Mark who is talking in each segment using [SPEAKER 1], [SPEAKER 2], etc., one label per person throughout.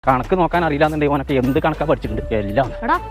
[SPEAKER 1] കണക്ക് നോക്കാൻ അറിയില്ലാന്നുണ്ടെങ്കിൽ ഓനൊക്കെ എന്ത് കണക്കാ പഠിച്ചിട്ടുണ്ട് എല്ലാം.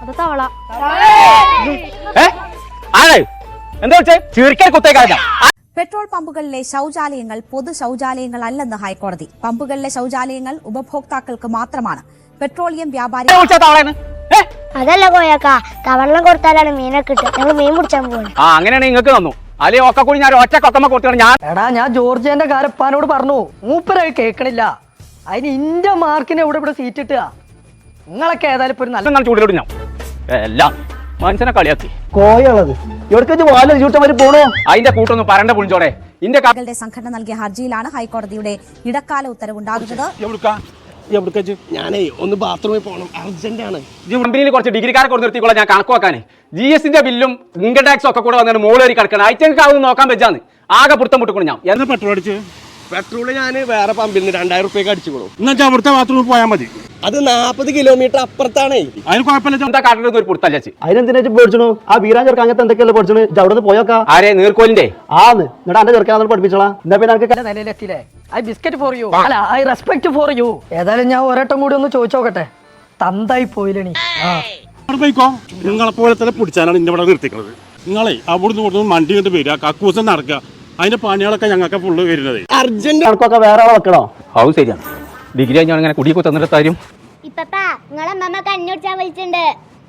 [SPEAKER 1] എന്താ വെച്ചേ ചീർക്കാൻ കുത്തേക്കാ.
[SPEAKER 2] പെട്രോൾ പമ്പുകളിലെ ശൌചാലയങ്ങൾ പൊതു ശൌചാലയങ്ങളല്ലെന്ന് ഹൈക്കോടതി. പമ്പുകളിലെ ശൌചാലയങ്ങൾ ഉപഭോക്താക്കൾക്ക് മാത്രമാണ്. പെട്രോളിയം വ്യാപാരി
[SPEAKER 3] അതല്ല കോയക്ക, തവള്ളം കൊടുത്താലാണ് മീനൊക്കെ കിട്ടുക. ഞങ്ങൾ മീൻ പിടിച്ചാൻ പോകണം.
[SPEAKER 1] അങ്ങനെയാണ് നിങ്ങൾക്ക് തന്നു. അല്ലെങ്കിൽ ഒക്കെ കൂടി ഞാൻ ഒറ്റ കൊക്കമ്മ കൊടുത്താണ്
[SPEAKER 4] ഞാൻ ജോർജിയന്റെ കാരപ്പാനോട് പറഞ്ഞു, മൂപ്പരത് കേൾക്കണില്ല. അതിന് ഇന്റെ മാർക്കിന് ഇവിടെ സീറ്റ് കിട്ടുക. നിങ്ങളൊക്കെ ഏതായാലും ഇപ്പൊ ഒരു നല്ല
[SPEAKER 1] ചൂടിലോട്ട് ഞാൻ എല്ലാം മനുഷ്യനെ കളിയാക്കി
[SPEAKER 4] കോയുള്ളത് പോണോ.
[SPEAKER 1] അതിന്റെ കൂട്ടൊന്നും പറണ്ട പുളിച്ചോടെ.
[SPEAKER 2] കളുടെ സംഘടന നൽകിയ ഹർജിയിലാണ് ഹൈക്കോടതിയുടെ ഇടക്കാല ഉത്തരവുണ്ടാകുന്നത്.
[SPEAKER 5] ഞാനേ ഒന്ന് ബാത്റൂമിൽ പോകണം, അർജന്റ് ആണ്.
[SPEAKER 1] കമ്പനിയിൽ കുറച്ച് ഡിഗ്രിക്കാരെ കൊണ്ട് നിർത്തിക്കോളാം ഞാൻ കണക്ക് വെക്കാൻ. GST ബില്ലും ഇൻകം ടാക്സും ഒക്കെ കൂടെ വന്നിട്ട് മോളേറി കിടക്കണം. ഐറ്റങ്ങൾക്ക് അതൊന്നും നോക്കാൻ വെച്ചാന്ന് ആകെ പുറത്തം വിട്ടുകൊണ്ട് ഞാൻ
[SPEAKER 5] എന്താ പെട്രോൾ അടിച്ച് പെട്രോള് ഞാൻ വേറെ പമ്പിൽ നിന്ന് 2000 റുപ്യക്ക് അടിച്ചു കൊടുക്കും.
[SPEAKER 6] എന്നുവെച്ചാൽ അവിടുത്തെ ബാത്റൂമിൽ പോയാൽ മതി.
[SPEAKER 5] അത് 40 കിലോമീറ്റർ അപ്പുറത്താണേ.
[SPEAKER 6] അതിന് കുഴപ്പമില്ല.
[SPEAKER 1] എന്താ കാട്ടിൽ ഒരു പുറത്തല്ലച്ച്
[SPEAKER 7] അതിനെന്തിനാ പേടിച്ചു? ആ വീരാൻ ചെറുക്കാൻ അങ്ങനത്തെ എന്തൊക്കെയല്ലേ പഠിച്ചു? അവിടെ നിന്ന് പോയോക്കാ.
[SPEAKER 1] ആരെ നീർക്കോലിന്റെ
[SPEAKER 7] ആന്ന് എന്നിട്ട് എന്റെ ചെറുക്കാൻ പഠിപ്പിച്ചോളാം. എന്താ പിന്നെ
[SPEAKER 4] നിലയിലെത്തിയില്ലേ? ഐ ബിസ്ക്കറ്റ് ഫോർ യു, അല്ല ഐ റെസ്പെക്ട് ഫോർ യു. ഏതായാലും ഞാൻ ഒരേട്ടം കൂടി ഒന്ന് ചോദിച്ചോക്കട്ടെ. തന്തായി പോയില്ലണി.
[SPEAKER 6] പോയിക്കോ, നിങ്ങളെ പോലെ തന്നെ പിടിച്ചാലാണ് ഇന്റെ ഇവിടെ നിർത്തിക്കുന്നത്. നിങ്ങളെ അവിടുന്ന് കൊടുത്ത് വണ്ടി കൊണ്ട് വരിക, കക്കൂസം നടക്കുക, അതിന്റെ പണികളൊക്കെ ഞങ്ങൾക്ക് ഫുള്ള് വരുന്നത്.
[SPEAKER 5] അർജന്റ്
[SPEAKER 7] കണക്കൊക്കെ വേറെ ആളെ വെക്കണോ?
[SPEAKER 1] അത് ശരിയാണ്. ഡിഗ്രി കഴിഞ്ഞാൽ ഇങ്ങനെ കുടിയൊക്കെ തന്നിട്ട് കാര്യം.
[SPEAKER 3] ഇപ്പപ്പാ നിങ്ങളെ അമ്മമ്മ കണ്ണുടിച്ചാൻ വിളിച്ചിട്ടുണ്ട്.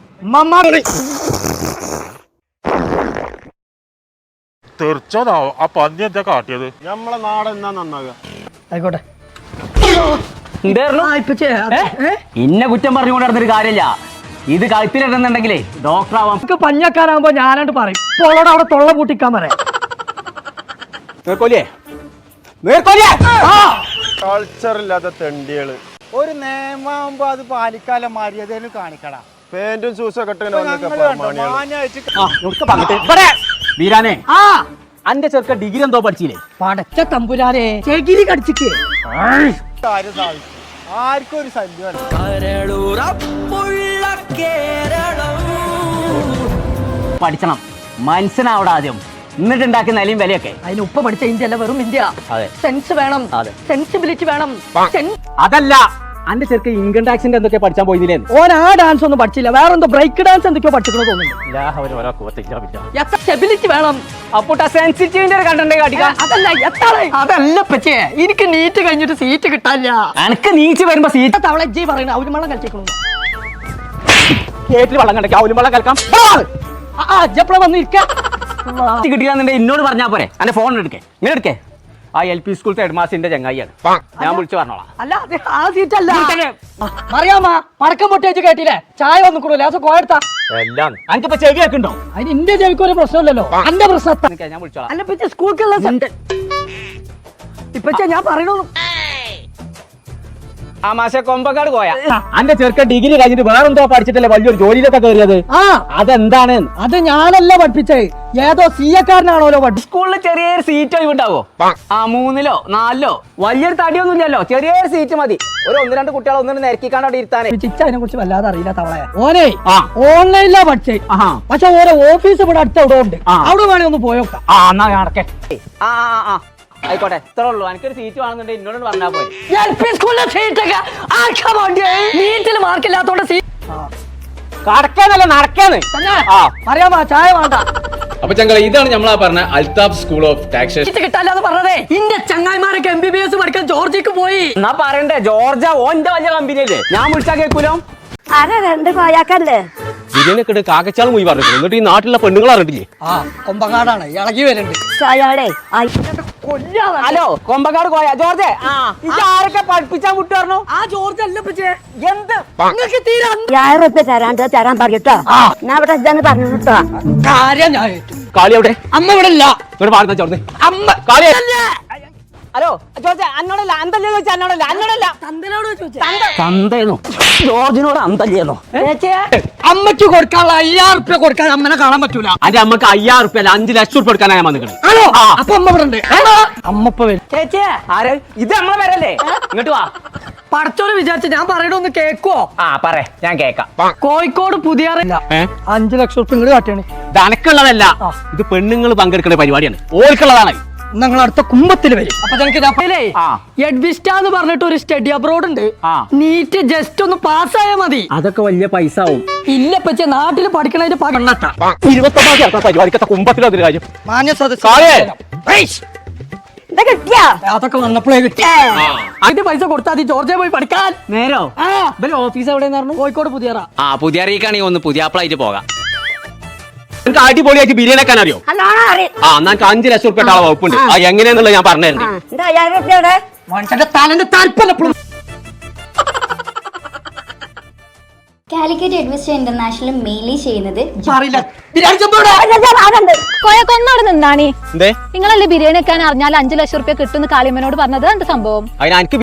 [SPEAKER 6] തീർച്ചയായും ആ പന്നി എന്താ കാട്ടിയത്? നമ്മളെ നാട് എന്നാ നന്നാകുക.
[SPEAKER 4] ആയിക്കോട്ടെ.
[SPEAKER 1] ഇന്നെ കുറ്റം പറഞ്ഞുകൊണ്ട് നടന്നൊരു കാര്യമില്ല. ഇത് കഴുത്തിലിടുന്നുണ്ടെങ്കിലേ ഡോക്ടർ ആവാം.
[SPEAKER 4] പഞ്ഞക്കാരാകുമ്പോ ഞാനാണ്ട് പറയും. പോളോട് അവിടെ തൊള്ള പൂട്ടിക്കാൻ പറയാം.
[SPEAKER 5] കൾച്ചർ ഇല്ലാത്ത തെണ്ടികള്.
[SPEAKER 8] ഒരു നിയമാകുമ്പോ അത് പാലിക്കാല മര്യാദയിൽ കാണിക്കടാ.
[SPEAKER 5] പാന്റും ഷൂസൊക്കെ
[SPEAKER 1] വീരാനെ, അന്റെ ചെറുക്ക ഡിഗ്രി എന്തോ പഠിച്ചില്ലേ?
[SPEAKER 4] പടച്ച തമ്പുരാനെ, ചെകിരി കടിച്ചിക്ക്
[SPEAKER 8] കാര്യം സാധിക്കും. ആർക്കും ഒരു ശല്യമല്ല.
[SPEAKER 1] പഠിച്ചണം, മനസ്സിനാവിടെ ആദ്യം, എന്നിട്ട് ഉണ്ടാക്കുന്ന നിലയും വിലയൊക്കെ.
[SPEAKER 4] അതിന് ഉപ്പ പഠിച്ച ഇന്ത്യ അല്ല, വെറും ഇന്ത്യ.
[SPEAKER 1] അതെ,
[SPEAKER 4] സെൻസ് വേണം, സെൻസിബിലിറ്റി വേണം.
[SPEAKER 1] അതല്ല അന്റെ ചെറുക്ക ഇൻകം ടാക്സിന്റെ എന്തൊക്കെ പഠിച്ചാൻ പോയില്ലേ?
[SPEAKER 4] ഓൻ ആ ഡാൻസ് ഒന്നും പഠിച്ചില്ല, വേറെ എന്തോ ബ്രേക്ക് ഡാൻസ് എന്തൊക്കെയോ പഠിച്ചിക്കണോ തോന്നുന്നു. സ്റ്റെബിലിറ്റി വേണം. അതല്ല പച്ചേ, എനിക്ക് നീറ്റ് കഴിഞ്ഞിട്ട് സീറ്റ് കിട്ടാനില്ല.
[SPEAKER 1] എനിക്ക് നീച്ച് വരുമ്പോ സീറ്റ്
[SPEAKER 4] തവള ജി പറയണ അവര് വെള്ളം കളിച്ചിക്കണു.
[SPEAKER 1] കേട്ടിൽ വെള്ളം കണ്ടേ അവലും വെള്ളം കളിക്കാം.
[SPEAKER 4] എപ്പോഴാ വന്നിരിക്കാം
[SPEAKER 1] കിട്ടിയാന്നുണ്ടെ എന്നോട് പറഞ്ഞാ പോരെ. എന്റെ ഫോൺ എടുക്കേ, ഇങ്ങനെ എടുക്കേ. ആ LP സ്കൂളത്തെ ഹെഡ്മാസ്റ്ററിന്റെ ചങ്ങായിയാണ്, ഞാൻ വിളിച്ചു പറഞ്ഞോളാം.
[SPEAKER 4] അല്ല അത് ആ സീറ്റ് അല്ല. അറിയാമാ പടക്കം പൊട്ടിച്ച് കേട്ടില്ലേ? ചായ വന്നിക്കണോ? ലേസം കോയെടുത്താ
[SPEAKER 1] എല്ലാം എനിക്കിപ്പോ ചെവിയാക്കുണ്ടോ?
[SPEAKER 4] അതിന് ഇന്ത്യ ചെവിക്ക് ഒരു പ്രശ്നമില്ലല്ലോ. എന്റെ പ്രശ്നം
[SPEAKER 1] ഞാൻ വിളിച്ചോളാം.
[SPEAKER 4] അല്ല ഇപ്പൊ സ്കൂൾക്കുള്ള ഇപ്പൊ ഞാൻ പറയണു.
[SPEAKER 1] ആ മാഷെ കൊമ്പക്കാട് പോയാ അന്റെ ചെറുക്കൻ ഡിഗ്രി കഴിഞ്ഞിട്ട് വേറെന്തോ പഠിച്ചിട്ടല്ലേ വലിയൊരു ജോലിയിലൊക്കെ കയറിയത്? അതെന്താണ്?
[SPEAKER 4] അത് ഞാനല്ല പഠിപ്പിച്ചേ, ഏതോ CA-കാരനാണോലോ പഠിച്ചു.
[SPEAKER 1] സ്കൂളിൽ ചെറിയൊരു സീറ്റ് ഒഴിവുണ്ടാവോ? 3ലോ 4ലോ വലിയൊരു തടിയൊന്നും ഇല്ലല്ലോ, ചെറിയൊരു സീറ്റ് മതി. ഒരു 1-2 കുട്ടികളെ ഒന്നും നിരക്കിക്കാണ്ട് അവിടെ ഇരുത്താനേ.
[SPEAKER 4] അതിനെ കുറിച്ച് വല്ലാതെ അറിയില്ല തവളയെ. ഓനെ ഓൺലൈനിലാ പഠിച്ചേ, പക്ഷെ ഓരോ ഓഫീസ് ഇവിടെ അടുത്ത് അവിടെ ഉണ്ട്. അവിടെ വേണേ ഒന്ന് പോയോക്കാം.
[SPEAKER 1] എന്നാ നടക്കേ. ആയിക്കോട്ടെ, ഇത്രേ ഉള്ളൂ. എനിക്കൊരു സീറ്റ് വേണമെന്നുണ്ടെങ്കിൽ എന്നോട് പറഞ്ഞാൽ പോലെ.
[SPEAKER 4] നീറ്റിൽ മാർക്കില്ലാത്തോണ്ട്
[SPEAKER 1] കടക്കാന്നല്ല നടക്കാന്ന്
[SPEAKER 4] അറിയാമോ? ചായ വേണ്ട.
[SPEAKER 1] അപ്പൊ ചങ്കള ഇതാണ് നമ്മളാ പറഞ്ഞ അൽതാഫ് സ്കൂൾ ഓഫ് ടാക്സേഷൻ.
[SPEAKER 4] കിട്ടാല്ലാന്ന് പറഞ്ഞതേ. ഇന്റെ ചങ്ങായിമാരൊക്കെ MBBS പഠിക്കാൻ ജോർജിക്ക് പോയി.
[SPEAKER 1] എന്നാ പറയണ്ടേ, ജോർജ ഓന്റെ വലിയ കമ്പനിയല്ലേ? ഞാൻ വിളിച്ചാ കേൾക്കൂലോ.
[SPEAKER 3] ആരാ രണ്ട് കോയാക്കല്ലേ?
[SPEAKER 1] ഇതിനൊക്കെ കാക്കച്ചാളും പോയി പറഞ്ഞു. എന്നിട്ട് ഈ നാട്ടിലെ പെണ്ണുങ്ങൾ അറിഞ്ഞില്ലേ?
[SPEAKER 4] കൊമ്പങ്ങാടാണ്, ഇളകി വരുന്നുണ്ട്.
[SPEAKER 1] ഹലോ, കൊമ്പക്കാട് പോയാ ജോർജ്? ആരൊക്കെ പഠിപ്പിച്ചാൻ വിട്ടു പറഞ്ഞു?
[SPEAKER 4] ആ ജോർജ് അല്ല
[SPEAKER 1] എന്ത്
[SPEAKER 4] നിങ്ങൾക്ക് തീരെ
[SPEAKER 3] 1000 റുപ്യ തരാൻ പറയട്ടോ. ഞാൻ ഇവിടെ ഇതാന്ന് പറഞ്ഞു കേട്ടോ.
[SPEAKER 4] കാര്യം ഞാൻ
[SPEAKER 1] കാളി എവിടെ?
[SPEAKER 4] അമ്മ ഇവിടെ ഇല്ല.
[SPEAKER 1] ഇവിടെ പാടുന്ന ചോർന്ന്
[SPEAKER 4] അമ്മ
[SPEAKER 1] കാളി. ഹലോ ജോർജ്, അന്നോടല്ല അന്തല്ലേ ചോദിച്ചാ? അന്നോടല്ല
[SPEAKER 4] തന്തനോട് ചോദിച്ചേ.
[SPEAKER 1] തന്തേന്നോ ജോർജിനോട് അന്തല്ലേന്നോ?
[SPEAKER 4] അമ്മയ്ക്ക് കൊടുക്കാനുള്ള 5000 റുപ്യ കൊടുക്കാൻ അമ്മനെ കാണാൻ പറ്റൂല.
[SPEAKER 1] അന്റെ അമ്മക്ക് 5000 റുപ്യ അല്ല 5 ലക്ഷം റുപ്യ കൊടുക്കാനാ ഞാൻ വന്നിക്കണേ.
[SPEAKER 4] ആണോ? അപ്പൊ അമ്മ ഇവിടെ ഉണ്ട്. അമ്മ ഇപ്പൊ വരും.
[SPEAKER 1] ചേച്ചേ, ആര് ഇത്? നമ്മളെ പേരല്ലേ? ഇങ്ങോട്ട് വാ.
[SPEAKER 4] പടച്ചോനെ വിചാരിച്ച ഞാൻ പറയണൊന്ന് കേക്കോ?
[SPEAKER 1] പറ, ഞാൻ കേക്കാം.
[SPEAKER 4] കോഴിക്കോട് പുതിയ 5 ലക്ഷം റുപ്യ ഇങ്ങോട്ട് കാട്ടിയാണ്.
[SPEAKER 1] ഇത് അനക്കുള്ളതല്ല, ഇത് പെണ്ണുങ്ങൾ പങ്കെടുക്കുന്ന പരിപാടിയാണ്. ഓർക്കുള്ളതാണ്.
[SPEAKER 4] ഞങ്ങൾ അടുത്ത കുമ്പത്തിൽ വരും അപ്പൊ ഞങ്ങൾക്ക്
[SPEAKER 1] ആ.
[SPEAKER 4] എഡ്വിസ്റ്റ എന്ന് പറഞ്ഞിട്ട് ഒരു സ്റ്റഡി അബ്രോഡ് ഉണ്ട്
[SPEAKER 1] ആ.
[SPEAKER 4] നീറ്റ് ജസ്റ്റ് ഒന്ന് പാസ്സായാൽ മതി.
[SPEAKER 1] അതൊക്കെ വലിയ പൈസ ആവും.
[SPEAKER 4] ഇല്ല പച്ച നാട്ടിൽ പഠിക്കണതിന്റെ പകണ്ണട്ട
[SPEAKER 1] 29 ചേർക്കാൻ പരിപാടിക്കത്തെ കുമ്പത്തിൽ അതിന് കാര്യം
[SPEAKER 4] മാന്യ
[SPEAKER 1] കാളേ.
[SPEAKER 4] അതൊക്കെ വന്നപ്പോഴേ കിട്ടി അതിന്റെ പൈസ കൊടുത്താൽ മതി ജോർജിയ പോയി പഠിക്കാൻ.
[SPEAKER 1] നേരോ
[SPEAKER 4] ആ
[SPEAKER 1] ഓഫീസ് എവിടെയെന്ന്
[SPEAKER 4] കോഴിക്കോട് പുതിയറ.
[SPEAKER 1] ആ പുതിയ അറിയിക്കാണെങ്കിൽ ഒന്ന് പുതിയ ആപ്പിളായിട്ട് പോകാം. എനിക്ക് അടിപൊളിയായിട്ട് ബിരിയാണി വെക്കാൻ അറിയോ? ആ എന്നാ എനിക്ക് 5 ലക്ഷം റുപ്യ ആളെ വകുപ്പുണ്ട്. ആ എങ്ങനെയാന്നുള്ളത് ഞാൻ പറഞ്ഞിട്ടുണ്ട്.
[SPEAKER 4] മനുഷ്യന്റെ തലന്റെ താല്പര്യം
[SPEAKER 9] കാലിക്കറ്റ് എഡ്വിസ്റ്റ ഇന്റർനാഷണൽ മെയിലി ചെയ്യുന്നത്
[SPEAKER 10] കൊന്നോട് നിന്നാണി
[SPEAKER 1] എന്തേ
[SPEAKER 10] നിങ്ങളല്ലേ ബിരിയാണി വെക്കാൻ അറിഞ്ഞാൽ 5 ലക്ഷം റുപ്യ കിട്ടുന്ന കാളിയമ്മനോട് പറഞ്ഞത് എന്ത് സംഭവം?
[SPEAKER 1] അതിന് എനിക്ക്